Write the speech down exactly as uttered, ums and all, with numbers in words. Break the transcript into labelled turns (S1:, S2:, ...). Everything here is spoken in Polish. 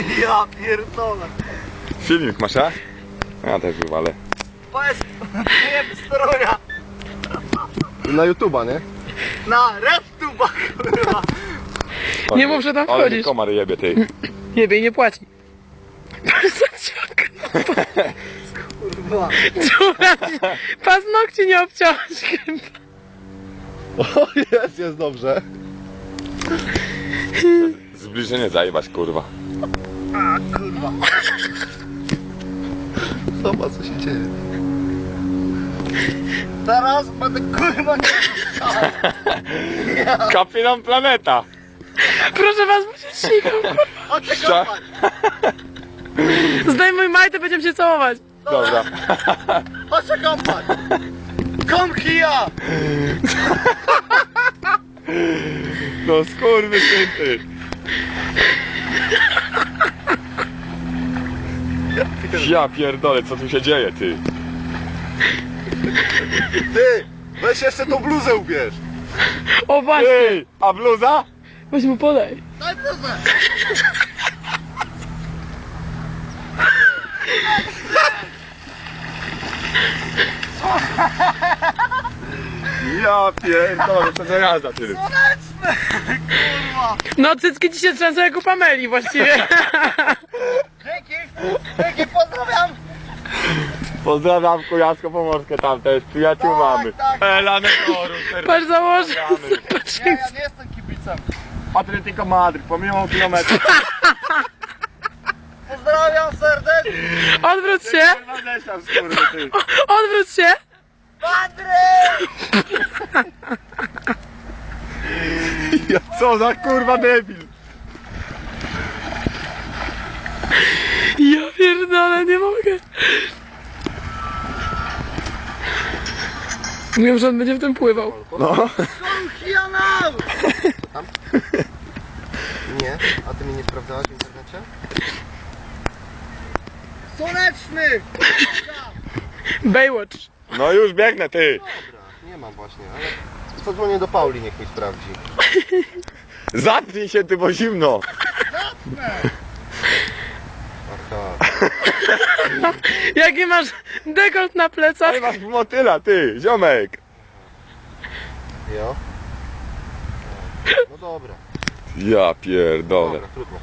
S1: Ja pierdolę.
S2: Filmik masz, a? Ja też wywalę.
S1: Powiedz, nie stroja.
S3: Na YouTube'a, nie?
S1: Na RedTube'a, kurwa.
S4: Nie mów, że tam
S2: Ale
S4: wchodzisz.
S2: komar jebie, ty.
S4: Jebie i nie płaci.
S1: Kurwa.
S4: Paznokci nie obciąłeś chyba.
S3: O, jest, jest dobrze.
S2: Zbliżenie zajebać, kurwa.
S1: A, kurwa.
S3: Zobacz, co się dzieje.
S1: Teraz będę kurwa nie ja.
S2: Kapitan Planeta.
S4: Proszę was, bo się sikam, kurwa.
S1: Chodźcie
S2: Szcza-
S1: kopać.
S4: Zdejmuj majtę, będziemy się całować.
S2: Dobra.
S1: Chodźcie kopać. Kom kija.
S2: No skurwysyn, ty. Ja pierdolę, co tu się dzieje, ty?
S3: Ty, weź jeszcze tą bluzę ubierz.
S4: O właśnie,
S2: Ej, a bluza?
S4: weź mu podaj.
S1: Daj bluzę.
S2: Ja pierdolę, co za jazda, ty.
S1: Słoneczny. Kurwa.
S4: No cycki ci się trzęsą jak u Pameli właściwie.
S1: Dzięki. Dzięki, pozdrawiam.
S2: Pozdrawiam Kujawsko-Pomorskie tam też, przyjaciół
S1: Tak,
S2: mamy.
S1: tak.
S2: Elane Toru,
S4: Patrz, założę.
S1: Nie, ja nie jestem kibicem.
S2: Atletico Madryt, pomimo kilometrów.
S1: Pozdrawiam serdecznie.
S4: Odwróć się, odwróć się.
S1: Patryk!
S2: Co za kurwa debil.
S4: Ja pierdolę, nie mogę. Mówią, że on będzie w tym pływał.
S2: No.
S1: Kom kijanał!
S3: Nie, a ty mnie nie sprawdzałaś w internecie?
S1: Słoneczny!
S4: Baywatch.
S2: No już biegnę, ty.
S3: Dobra, nie mam właśnie, ale zadzwonię do Pauli, niech mi sprawdzi.
S2: Zatnij się, ty, bo zimno.
S3: Aha.
S4: Jaki masz dekolt na plecach?
S2: Ale masz motyla, ty, ziomek.
S3: Jo? No dobra,
S2: Ja pierdolę.
S3: dobra, trudno.